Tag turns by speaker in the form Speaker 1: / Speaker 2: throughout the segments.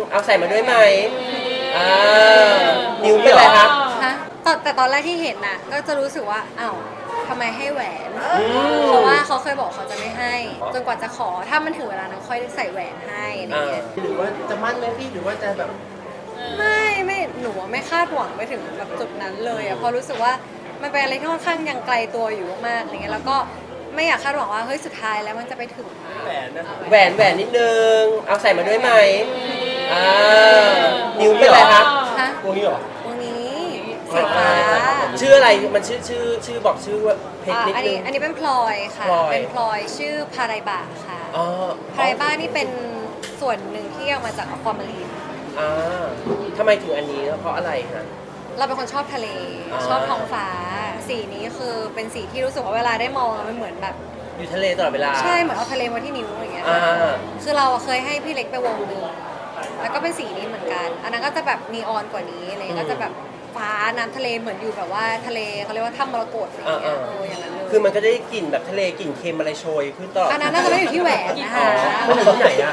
Speaker 1: เอาใส่มาด้วยไหมอ่านิ้วเป็นไรครับ
Speaker 2: ฮะแต่ตอนแรกที่เห็นน่ะก็จะรู้สึกว่าอ้าวทำไมให้แหวนเพราะว่าเขาเคยบอกเขาจะไม่ให้จนกว่าจะขอถ้ามันถึงเวลานั้นค่อยได้ใส่แหวนให้อะไรเงี้ย
Speaker 3: หรือว่าจะมั่นไหมพี่หรือว่าจะแบบ
Speaker 2: ไม่หนูไม่คาดหวังไปถึงแบบจุดนั้นเลยอะเพราะรู้สึกว่ามันเป็นอะไรที่ค่อนข้างยังไกลตัวอยู่มากๆอะไรเงี้ยแล้วก็ไม่อยากคาดหวังว่าเฮ้ยสุดท้ายแล้วมันจะไปถึง
Speaker 3: แหวนนะ
Speaker 1: แหวนนิดนึงเอาใส่มาด้วยไหมอ่านิ้วเป็นไรครับ
Speaker 2: ฮะ
Speaker 3: พวกนี้เหรอ
Speaker 2: ตรงนี้สีฟ้า
Speaker 1: ชื่ออะไรมันชื่อบอกชื่อว่าเพชรนิดนึง
Speaker 2: อันนี้เป็นพลอยค่ะเป็นพลอยชื่อพาไรบะค่ะพาไรบะนี่เป็นส่วนหนึ่งที่เอามาจากอความารีน
Speaker 1: ทำไมถึงอันนี้เพราะอะไรฮะ
Speaker 2: เราเป็นคนชอบทะเลชอบท้องฟ้าสีนี้คือเป็นสีที่รู้สึกว่าเวลาได้มองมันเหมือนแบบ
Speaker 1: อยู่ทะเลตลอดเวลา
Speaker 2: ใช่เหมือนเอาทะเลมาที่นิ้วอย่างเงี้ยคือเราเคยให้พี่เล็กไปวงหนึ่งแล้วก็เป็นสีนี้เหมือนกันอันนั้นก็จะแบบนีออนกว่านี้อะไรก็จะแบบฟ้าน้ำทะเลเหมือนอยู่แบบว่าทะเลเขาเรียกว่าถ้ำมรกตอะไรอย่างเงี้ยอย่างนั้นเลย
Speaker 1: คือมันก็ได้กลิ่นแบบทะเลกลิ่นเค็มอะไรโชยขึ้นตลอด
Speaker 2: อันนั้นน่าจะไม่อยู่ที่แหวนนะคะ
Speaker 3: มันอยู่ที่ไหนอะ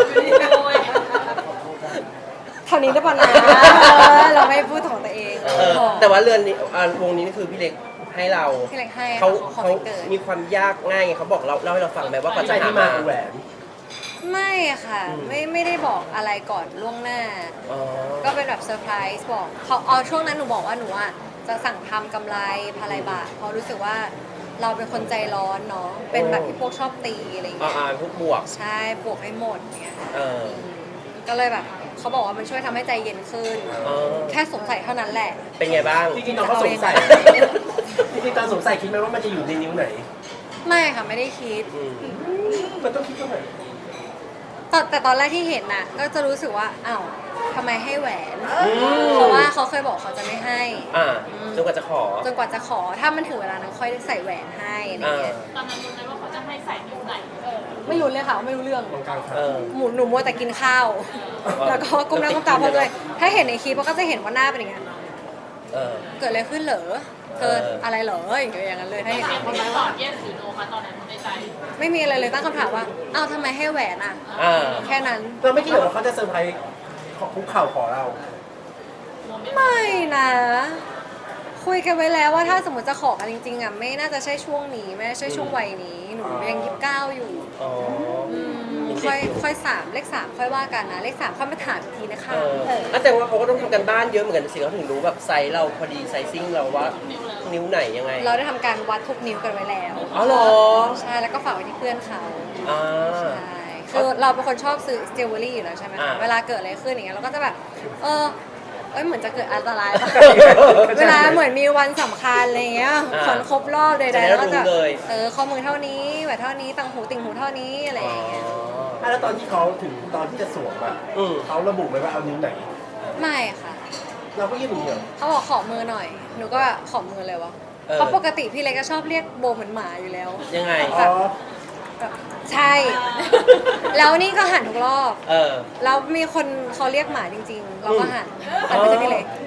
Speaker 2: เท่านี้ได้ป่ะนะเราไม่พูดของตัวเอง
Speaker 1: แต่ว่าเรือนนี้วงนี้นี่คือพี่เล็กให้เรา
Speaker 2: พี่เล็กให้
Speaker 1: เขามีความยากง่ายไงเขาบอกเราเล่าให้เราฟังไหมว่าเขาจะหามา
Speaker 3: แหวน
Speaker 2: ไม่ค่ะไม่ได้บอกอะไรก่อนล่วงหน้าก็เป็นแบบเซอร์ไพรส์บอกเขาช่วงนั้นหนูบอกว่าหนูอ่ะจะสั่งทำกำไรพาไรบะเพราะรู้สึกว่าเราเป็นคนใจร้อนเนาะเป็นแบบที่พวกชอบตีอะไรอย่างเงี้ย
Speaker 1: พวกบวก
Speaker 2: ใช่บวกให้หมดเงี้ยก็เลยแบบเขาบอกว่ามันช่วยทำให้ใจเย็นขึ้นแค่สงสัยเท่านั้นแหละ
Speaker 1: เป็นไงบ้าง
Speaker 3: จริงๆตอนเขาสงสัยจริงๆตอนสงสัยคิดไหมว่ามันจะอยู่ในนิ้วไหน
Speaker 2: ไม่ค่ะไม่ได้คิด
Speaker 3: มันต้องคิดตรงไหน
Speaker 2: แต่ตอนแรกที่เห็นน่ะก็จะรู้สึกว่าอ้าวทำไมให้แหวนเพราะว่าเขาเคยบอกเขาจะไม่ให้
Speaker 1: จนกว่าจะขอ
Speaker 2: ถ้ามันถึงเวลานั้นค่อยได้ใส่แหวนให้อะไรเงี้ย
Speaker 4: ตอนนั้นรู้ไหมว่าเขาจะให้ใส่นิ้วไหน
Speaker 2: ไม่รู้เลยค่ะไม่รู้เรื่องหนูมัวแต่กินข้าวแล้วก็ก้มหน้าก้มตาเพราะเลยถ้าเห็นในคลิปก็จะเห็นว่าหน้าเป็นอย่างเงี้ยเกิดอะไรขึ้นเหรอเกิดอะไรเหรออย่างนั้นเลยถ้าเห็น
Speaker 4: คนนั้นตอบ yes หรือ no คะตอนนั้นในใจ
Speaker 2: ไม่มีอะไรเลยตั้งคำถามว่าอ้าวทำไมให้แหวนอ่ะแค่นั้น
Speaker 3: เราไม่คิดว่าเขาจะเซอร์ไพรส์คุกเข่าขอเรา
Speaker 2: ไม่นะคุยกันไว้แล้วว่าถ้าสมมติจะขอกันจริงๆอ่ะไม่น่าจะใช่ช่วงนี้ไม่ใช่ช่วงวัยนี้หนูยัง29อยู่ค่อย3เลข3ค่อยว่ากันนะเลข3ค่อยมาถามอีกทีนะคะ
Speaker 1: แต่ว่าเขาก็ต้องทำกันบ้านเยอะเหมือนกันสิเขาถึงรู้แบบไซส์เราพอดีไซซิ่งเราว่านิ้วไหนยังไง
Speaker 2: เราได้ทำการวัดทุกนิ้วกันไว้แล้ว
Speaker 1: อ๋อเหรอ
Speaker 2: ใช่แล้วก็ฝากไว้ที่เพื่อนเขาใช่คือเราเป็นคนชอบซื้อจิวเวลรี่อยู่แล้วใช่ไหมคะเวลาเกิดอะไรขึ้นอย่างเงี้ยเราก็จะแบบเหมือนจะเกิดอันตรายป่ะเวลาเหมือนมีวันสำคัญอะไรเงี้ยขนครบรอบใดๆแล้วก็จะข้อมือเท่านี้แหวนเท่านี้ต่างหูติ่งหูเท่านี้อะไรอย่างเงี้ย
Speaker 3: แล้วตอนที่เขาถึงตอนที่จะสวมอ่ะเขาระบุไหมว่าเอานิ้วไหน
Speaker 2: ไม่ค่ะ
Speaker 3: เราก็ยื่นมือ
Speaker 2: เขาบอกขอมือหน่อยหนูก็ขอมือเลยวะเพราะปกติพี่เล็กก็ชอบเรียกโบเหมือนหมาอยู่แล้ว
Speaker 1: ยังไง
Speaker 2: ใช่ แล้วนี่ก็หันทุกรอบแล้วมีคนเขาเรียกหมาจริงๆเราก็หันแต่ไม่ใช่พี่เล็ก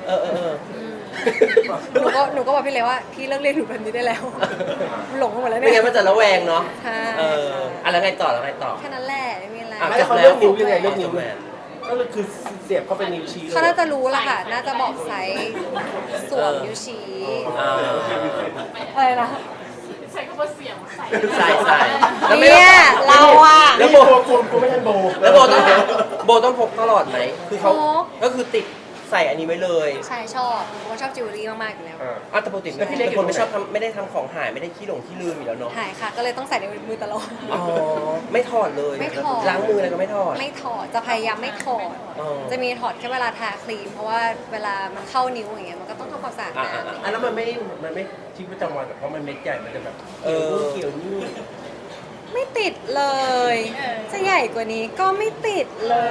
Speaker 2: หนูก็บอกพี่เล็กว่าพี่เลิกเรียกหนูแบบนี้ได้แล้วหลงไปหมดแล้วเนี่ย
Speaker 1: ไม่งั้นมันจะระแวงเนาะ
Speaker 2: ใช่
Speaker 1: แล้วไงต่อ
Speaker 2: แค่นั้นแหละไม่มีอะไร
Speaker 3: แล้วเขาเลือกนิ้วยังไงเลือกนิ้วก็คือเสียบเข้าไปนิ้วชี้
Speaker 2: เขาน่าจะรู้ละค่ะน่าจะบอกไซส์สวมนิ้วชี้อะไรนะ
Speaker 4: ใส่ก็มาเสียงใส่
Speaker 2: เนี่ยเราอะ
Speaker 3: แล้วโบกูไม่ทันโบ
Speaker 1: แล้วโบต้องพกตลอดไหมคือเขาก็คือติดใส่อันนี้ไว้เลย
Speaker 2: ใช่ชอบเพราะชอบจิวเวลรี่มากๆอยู่แล้ว
Speaker 1: แต่ปกติเป็นคนไม่ชอบไม่ได้ทำของหายไม่ได้ขี้หลงขี้ลืมอยู่แล้วเนาะ
Speaker 2: หายค่ะก็เลยต้องใส่ในมือตลอด
Speaker 1: ไม่ถอดเลย
Speaker 2: ไม่ถอด
Speaker 1: ล้างมืออะไรก็ไม่ถอด
Speaker 2: จะพยายามไม่ถอดจะมีถอดแค่เวลาทาครีมเพราะว่าเวลามันเข้านิ้วอย่างเงี้ยมันก็ต้องทำความสะอาดนะ
Speaker 3: แล้วมันไม่ชีวิตประจำวันเพราะมันเม็ดใหญ่มันจะแบบเกี่ยวนี่
Speaker 2: ไม่ติดเลยจะใหญ่กว่านี้ก็ไม่ติดเลย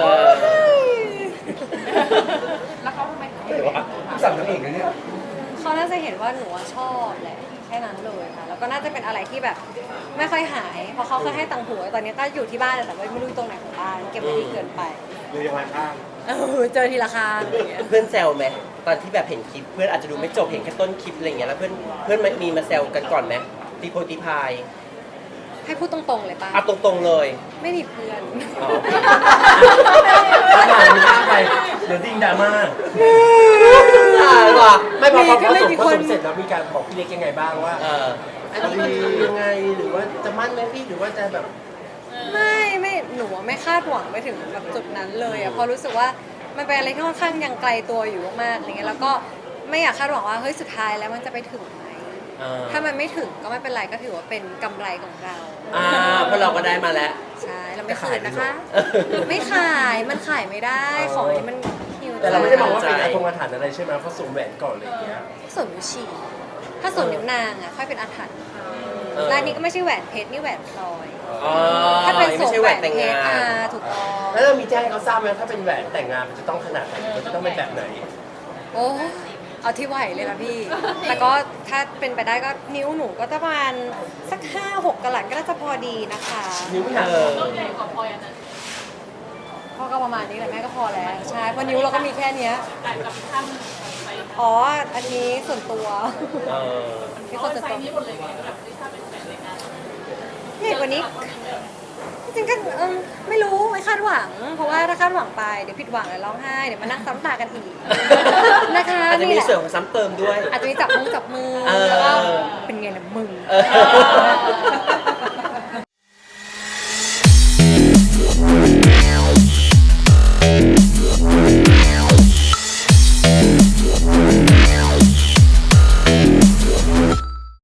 Speaker 4: แล้วเขาทำไม
Speaker 3: สั่งนั่นเองนะเนี่ย
Speaker 2: เขาน่าจะเห็นว่าหนูชอบแหละแค่นั้นเลยค่ะแล้วก็น่าจะเป็นอะไรที่แบบไม่ค่อยหายเพราะเขาเคยให้ตังหูตอนนี้ก็อยู่ที่บ้านแต่ไม่รู้ตรงไหนของบ้านเก็บไว้ดีเกินไป
Speaker 3: เลยยังไงข้าง
Speaker 2: เจอทีละครั้ง
Speaker 1: เพื่อนแซวไหมตอนที่แบบเห็นคลิปเพื่อนอาจจะดูไม่จบเห็นแค่ต้นคลิปอะไรอย่างเงี้ยแล้วเพื่อนมีมาแซวกันก่อนไหมตีโพตีพาย
Speaker 2: ให้พูดตรงๆเลยป่ะ
Speaker 1: ตรงๆเลย
Speaker 2: ไม่มีเพื่อน
Speaker 3: ดิ้งดราม่า
Speaker 1: ตายว่ะ
Speaker 3: ไม่พอ
Speaker 2: ก็ไม่
Speaker 3: ส่ง
Speaker 2: มี
Speaker 3: พอ
Speaker 2: คน
Speaker 3: ส่งเสร็จแล้วมีการบอกพี่เล็กยังไงบ้างว่า อันนี้มันคือยังไงหรือว่าจะมั่นไหมพี่หรือว่าจะแบบ
Speaker 2: ไม่หนูไม่คาดหวังไปถึงแบบจุดนั้นเลยอะเพราะรู้สึกว่ามันเป็นอะไรที่ค่อนข้างยังไกลตัวอยู่มากๆอะไรเงี้ยแล้วก็ไม่อยากคาดหวังว่าเฮ้ยสุดท้ายแล้วมันจะไปถึงไหมถ้ามันไม่ถึงก็ไม่เป็นไรก็ถือว่าเป็นกำไรของเรา
Speaker 1: เพราะเราก็ได้มาแล้ว
Speaker 2: ใช่เราไม่คืนนะคะ ไม่ขายมันขายไม่ได้ของอันนี้มันฮิว
Speaker 3: แต่เราไม่ได้มองว่า
Speaker 1: ใจ
Speaker 3: เป็นอาถรรพ์อาถรรพ์อะไรใช่ไหมเพราะสวมแหวนก่อนอะไรอย่างเงี้ย
Speaker 2: ส่วนนิ้วฉี่ถ้าส่วนนิ้วนางอะค่อยเป็นอาถรรพ์
Speaker 1: เออ
Speaker 2: รายนี้ก็ไม่ใช่แหวนเพชรนี่แหวนพลอย
Speaker 1: อ๋อ
Speaker 2: ถ้าเป็นส
Speaker 1: ไม่
Speaker 2: วม
Speaker 1: ใช่
Speaker 2: แห
Speaker 1: แห
Speaker 2: ว
Speaker 1: วน
Speaker 2: น
Speaker 1: แต่ง
Speaker 2: เพช
Speaker 1: งาร น
Speaker 2: ถูกต้อง
Speaker 3: แล้วเรามีแจ้งให้เขาทราบไหมถ้าเป็นแหวนแต่งงานมันจะต้องขนาดไหนมันจะต้องเป็นแบบไหน
Speaker 2: โอ้เอาที่ไหวเลยนะพี่ แต่ก็ถ้าเป็นไปได้ก็นิ้วหนูก็จะประมาณสัก5-6กะลัดก็น่าจะพอดีนะคะ
Speaker 3: นิ้วไม่หนัก
Speaker 4: ต้องใหญ่กว่าพลอยอันนั้น
Speaker 2: พ่อก็ประมาณนี้แหละแม่ก็พอแล้วใช่เพราะนิ้วเราก็มีแค่เนี้ย
Speaker 4: แต่กับท่านไซส์
Speaker 2: อ๋ออันนี้ส่วนตัว
Speaker 1: เออ
Speaker 2: ที่คนส่วน
Speaker 4: ไซ
Speaker 2: ตัว
Speaker 4: ส์นี้หมดเลยไงแบบถ้าเป็นแฟนในงาน
Speaker 2: ใหญ่กว่านี้จริงๆก็ไม่รู้ไม่คาดหวัง เพราะว่าถ้าคาดหวังไปเดี๋ยวผิดหวังแล้วร้องไห้เดี๋ยวมานั่งซ้ำตากันอีกนะคะ
Speaker 1: อาจจะมี
Speaker 2: นี่แหละ
Speaker 1: เสริมของซ้ำเติมด้วย
Speaker 2: อาจจะมีจับมือ
Speaker 1: เออ
Speaker 2: แล้วก็เป็นไงล่ะมึง
Speaker 1: เออ